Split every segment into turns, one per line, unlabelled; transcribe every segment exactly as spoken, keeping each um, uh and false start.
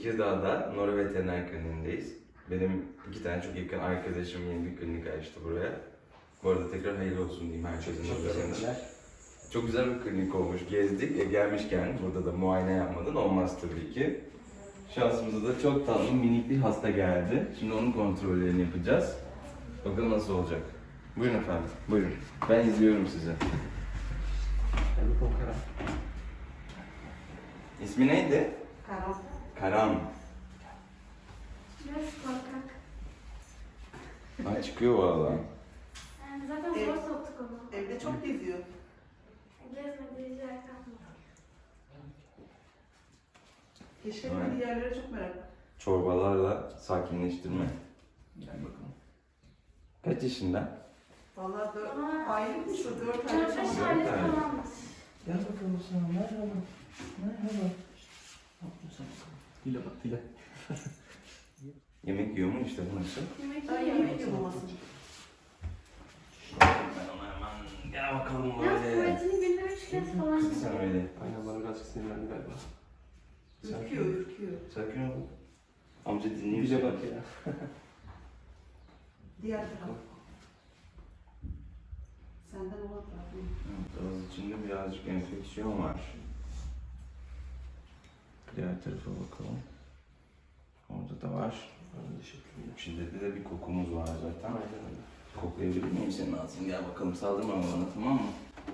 Tekirdağ'da Nora Veteriner Kliniğindeyiz. Benim iki tane çok yakın arkadaşım yeni bir klinik açtı buraya. Bu arada tekrar hayırlı olsun diyeyim herkesin adına. Çok güzel bir klinik olmuş, gezdik. E, gelmişken burada da muayene yapmadan olmaz tabii ki. Şansımıza da çok tatlı minik bir hasta geldi. Şimdi onun kontrollerini yapacağız. Bakalım nasıl olacak. Buyurun efendim, buyurun. Ben izliyorum sizi. İsmi neydi?
Karam.
Karam.
Biraz korkak.
Ay çıkıyor valla.
Yani zaten zor
Evet.
soktuk onu.
Evde çok geziyor.
Gezmediği yer kalmadı.
Keşfetmediği yerlere çok merak.
Çorbalarla sakinleştirme. Gel bakalım. Kaç yaşında?
Vallahi dört
Aa.
aylıkmış o, dört aylık
Dört beş
falan.
aylık
aylık.
falanmış.
Gel bakalım sana. Merhaba. Merhaba.
Ne yapıyorsun sen bakalım? Dile bak dile.
Yemek yiyor mu işte bu nasıl?
Yemek
Ay
yiyor.
yemek yemaması.
Ben ona hemen gel bakalım
Yalnız
böyle.
tuvaletini günde üç kez falan
Kızı sen öyle.
Aynen bana birazcık sinirlendi galiba.
Ürküyor, ürküyor.
Sakin ol. Amca dinleyeyim
Dile
seni.
bak ya.
Diğer taraf. Senden olan taraf.
Evet, ağız içinde birazcık enfeksiyon var. Diğer tarafa bakalım. Orada da var.
Aynı şekilde.
Şiddetli de bir kokumuz var zaten.
Aynen öyle.
Koklayabilir miyim senin ağzını? Gel bakalım saldırma bana, tamam mı?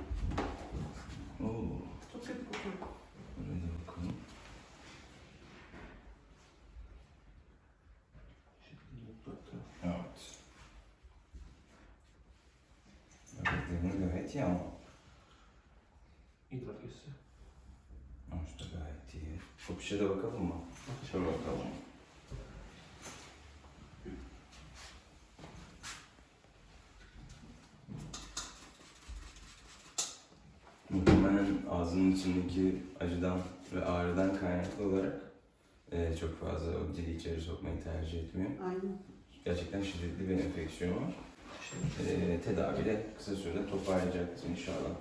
Oo.
Çok kötü kokuyor.
Buraya da bakalım. Evet. Böbreklerini gayet iyi ama.
İdrak hissi.
İşte gayet iyi. O pişe de bakalım mı? Şöyle bakalım. Muhtemelen ağzının içindeki acıdan ve ağrıdan kaynaklı olarak e, çok fazla o dili içeri sokmayı tercih etmiyor.
Aynen.
Gerçekten şiddetli bir enfeksiyon var. E, tedaviyle kısa sürede toparlayacaksın inşallah.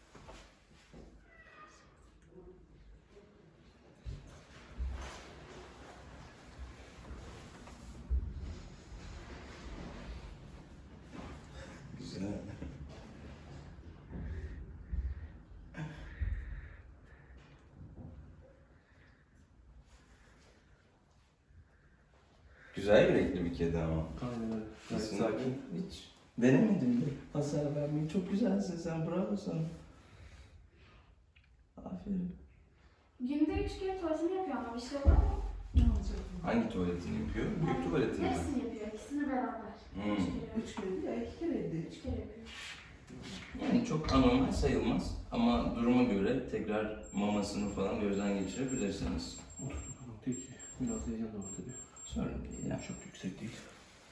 Güzel. Güzel yürekli bir kedi ama.
Aynen öyle. Gayet
Aslında
sakin.
hiç denemedim de hasar vermeyi. Çok güzelsin sen, bravo sana. Aferin.
Günde üç kere tuvaletini yapıyor ama bir şey var mı?
Ne olacak?
Hangi tuvaletini yapıyor? Büyük tuvaletini mi?
Hepsini yapıyor. İkisini beraber.
Hmm.
Üç kere.
Üç kere değil ya, iki kere evde.
Üç kere yapıyor.
Yani çok anormal sayılmaz ama duruma göre tekrar mamasını falan gözden geçirebilirsiniz.
Oturdu bakalım. Değil ki. Biraz heyecan da var tabii.
Sorun değil ya.
Çok yüksek değil.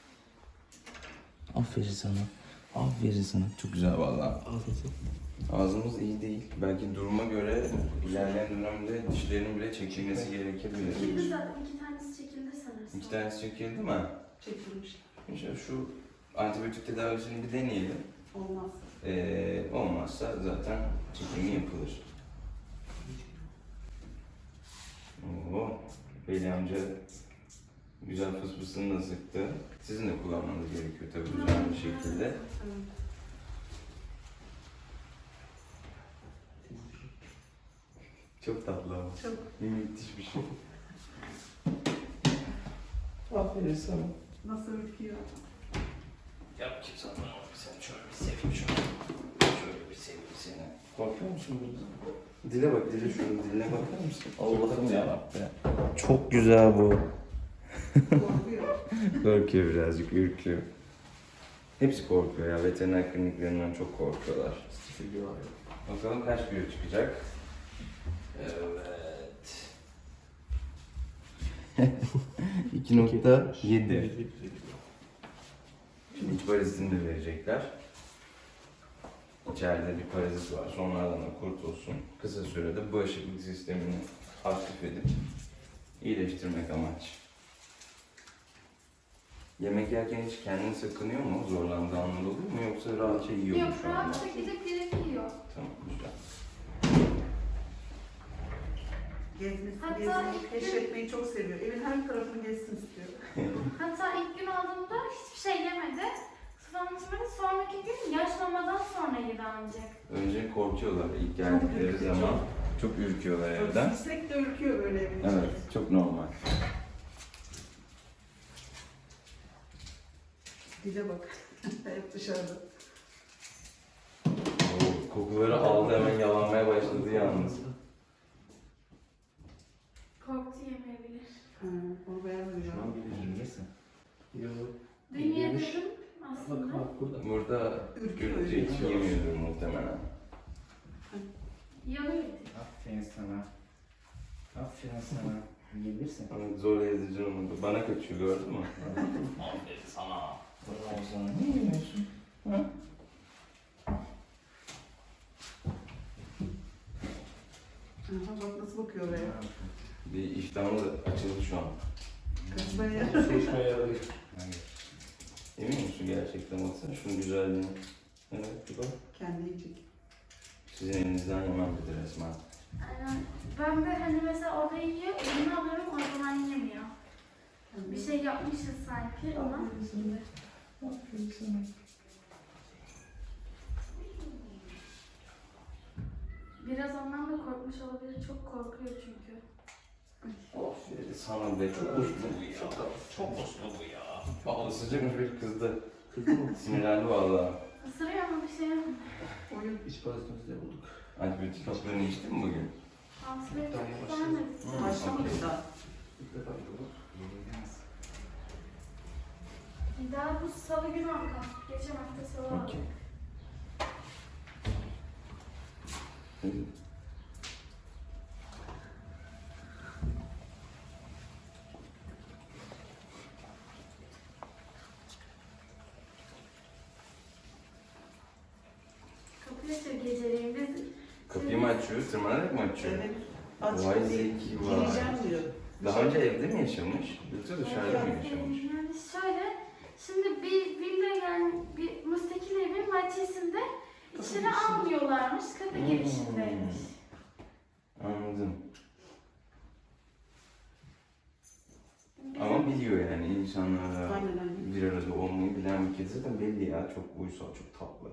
Aferin sana. Aferin sana. Çok güzel vallahi.
Ağzınızı.
Ağzımız iyi değil. Belki duruma göre ilerleyen dönemde dişlerin bile çekilmesi gerekebilir.
Çekildi zaten. İki tanesi çekildi sanırsam.
İki tanesi çekildi mi?
Çekilmiş.
İşte şu antibiyotik tedavisini bir deneyelim.
Olmaz.
Ee, olmazsa zaten çekimi yapılır. Oo, Veli amca güzel fısfısını da sıktı. Sizin de kullanmanız gerekiyor tabii güzel bir şekilde.
Evet.
Çok tatlı ama.
Çok.
Müthiş bir şey. Aferin sana.
Nasıl ürküyor?
Gel bakayım sana. Seni şöyle bir seveyim şöyle. Şöyle bir seveyim seni. Korkuyor musun burada? Dile bak, dile şunun diline bakar mısın? Allah'ım yarabbim. Çok güzel bu.
Korkuyor.
Korkuyor birazcık, ürküyor. Hepsi korkuyor ya, veteriner kliniklerinden çok korkuyorlar.
Stifil var ya.
Bakalım kaç kilo çıkacak? Evet. iki nokta yedi. Şimdi iç parazitini de verecekler. İçeride bir parazit var. Sonradan da kurtulsun. Kısa sürede bağışıklık sistemini aktif edip iyileştirmek amaç. Yemek yerken hiç kendini sakınıyor mu? Zorlandığı anlar oluyor mu? Yoksa rahatça yiyor mu
Yok,
şu anda?
rahatça gidip direkt yiyor.
Tamam, güzel.
Gezmesi,
Hatta
gezmeyi,
ilk gün-
keşfetmeyi çok seviyor. Evin her tarafını gezsin istiyor.
Hatta ilk gün aldığımda hiçbir şey yemedi. Su falan içmedi. Sonraki gün yaşlamadan sonra yedi ancak.
Önce korkuyorlar ilk geldikleri
ürkütücü.
zaman. Çok ürküyorlar evden.
Sinek de ürküyor böyle evin içinde.
Evet, çok normal.
Dile bak. Hep dışarıda.
O kokuları aldı, hemen yalanmaya başladı yalnız.
Korktu yemeyebilir.
Ha, onu beğenmedim ya.
Şu an gelirsin. Yok.
Dün yedirdim aslında.
Bak bak burada.
Burada
Ürküyor.
Gülce hiç yemiyordur muhtemelen.
Yanıyor.
Aferin sana. Aferin sana. Yiyebilirsin.
Ama zor ezici olmadı. Bana kaçıyor, gördün mü? Aferin sana.
Bravo sana. Ne yemiyorsun? Ha?
Aha, bak nasıl bakıyor oraya.
Bir iştahımız açıldı şu an.
Kaçmaya.
Seçmeye yaradı.
Emin misin gerçekten? Baksana şunun güzelliğine. Evet, bu da.
Kendi yiyecek.
Sizin elinizden yemem dedi resmen.
Aynen. Ben de hani mesela orada yiyor, elini alıyorum o zaman yemiyor. Bir şey yapmışız sanki ama.
Aferin sana.
Biraz ondan da korkmuş olabilir. Çok korkuyor çünkü.
Aferin sana be. Çok uslu bu ya. Çok uslu bu ya. Vallahi sıcakmış bir kızdı.
Kızdı mı?
Sinirlendi vallahi.
Isırıyor ama bir şey yapmıyor.
Oyun.
İç parazitimizde bulduk.
Antibiyotik haplarını içtin mi bugün?
Antibiyotik
Daha yavaş.
vermedik.
Hı.
Başlamadı daha.
İlk defa bulduk.
Daha bu salı günü arka. Geçen hafta salı aldım.
Okey. Hı.
Kapıyı açıyor geceleyin. Biz
Kapıyı mı açıyor, tırmanarak mı açıyor?
Evet. Aç
Vay
kapıyı.
zeki var.
Gireceğim diyor.
Daha önce evde mi yaşamış? Yoksa dışarıda mı
Evet,
yaşamış?
Yani şöyle, şimdi bir villa yani bir müstakil evin bahçesinde içeri
girişinde.
almıyorlarmış, kapı
Hmm.
girişindeymiş.
Anladım.
Bizim-
Ama biliyor yani insanlarla
Aynen aynen.
bir arada olmayı bilen bir kedi zaten belli ya. Çok uysal, çok tatlı.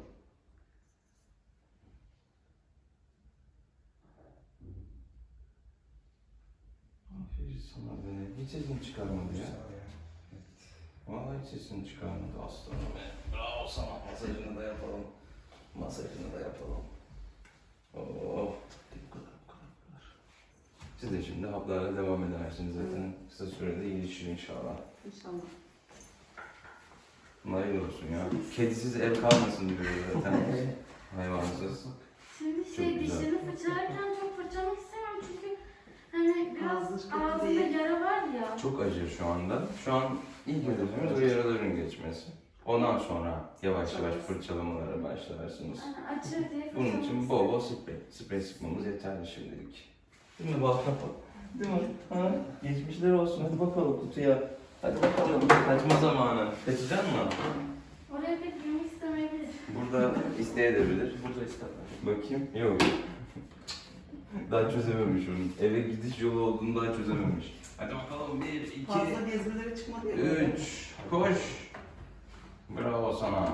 Aferin sana be. Hiç sesini çıkarmadı ya. Vallahi hiç sesini çıkarmadı aslanım be. Bravo sana. Masajını da yapalım. Masajını da yapalım. Oh.
Bu kadar bu kadar bu kadar.
Siz de şimdi haplarla devam edersiniz zaten. Kısa sürede iyileşir inşallah.
İnşallah.
Hayırlı olsun ya. Kedisiz ev kalmasın diyor zaten. Hayvansız.
Şimdi
Çok
şey
güzel.
dişini fırçalarken çok fırçalamak istemiyorum çünkü hani biraz
Ağzı kötü
ağzında
değil.
yara var ya.
Çok acır şu anda. Şu an ilk hedefimiz o yaraların geçmesi. Ondan sonra yavaş yavaş fırçalamalara başlarsınız.
Yani açır diye
Bunun
fırçalamak
için bol bol sprey. Sprey sıkmamız yeterli şimdilik. Değil mi bal kafa? Değil mi? Ha? Geçmişler olsun. Hadi bakalım kutuya. Hadi bakalım. Kaçma zamanı. Kaçacak mı?
Oraya pek girmek istemeyebilir.
Burada isteyebilir.
Burada isterler.
Bakayım. Yok. Daha çözememiş onu. Eve gidiş yolu olduğunu daha çözememiş. Hadi bakalım. Bir, iki,
Fazla gezmelere çıkmadı ya. böyle.
üç. Koş. Bravo sana.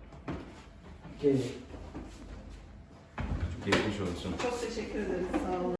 Gel.
Geçmiş olsun.
Çok teşekkür ederiz. Sağ olun.